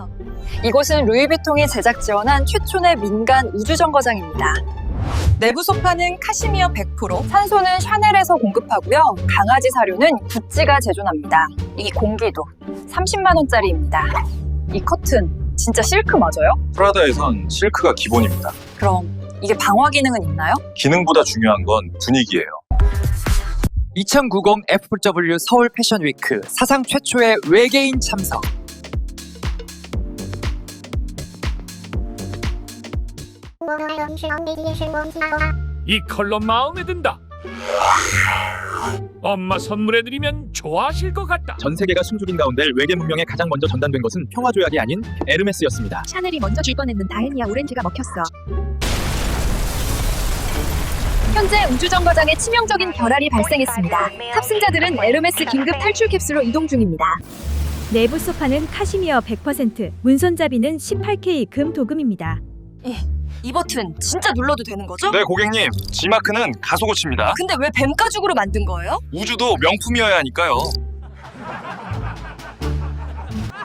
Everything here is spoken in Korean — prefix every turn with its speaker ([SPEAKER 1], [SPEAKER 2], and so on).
[SPEAKER 1] 있어요. 이곳은 루이비통이 제작 지원한 최초의 민간 우주정거장입니다. 내부 소파는 카시미어 100%, 산소는 샤넬에서 공급하고요. 강아지 사료는 구찌가 제조합니다. 이 공기도 30만 원짜리입니다. 이 커튼 진짜 실크 맞아요?
[SPEAKER 2] 프라다에선 실크가 기본입니다.
[SPEAKER 1] 그럼 이게 방화 기능은 있나요?
[SPEAKER 2] 기능보다 중요한 건 분위기예요.
[SPEAKER 3] 2090 FW 서울 패션위크 사상 최초의 외계인 참석.
[SPEAKER 4] 이 컬러 마음에 든다. 엄마 선물해드리면 좋아하실 것 같다.
[SPEAKER 5] 전 세계가 숨죽인 가운데 외계 문명에 가장 먼저 전단된 것은 평화조약이 아닌 에르메스였습니다.
[SPEAKER 6] 샤넬이 먼저 줄 뻔했는 다헤니아 오렌지가 먹혔어.
[SPEAKER 1] 현재 우주정거장에 치명적인 결함이 발생했습니다. 탑승자들은 에르메스 긴급 탈출 캡슐로 이동 중입니다.
[SPEAKER 7] 내부 소파는 카시미어 100%, 문손잡이는 18K 금 도금입니다.
[SPEAKER 1] 이 버튼 진짜 눌러도 되는 거죠?
[SPEAKER 2] 네, 고객님. G마크는 가속고치입니다.
[SPEAKER 1] 근데 왜 뱀 가죽으로 만든 거예요?
[SPEAKER 2] 우주도 명품이어야 하니까요.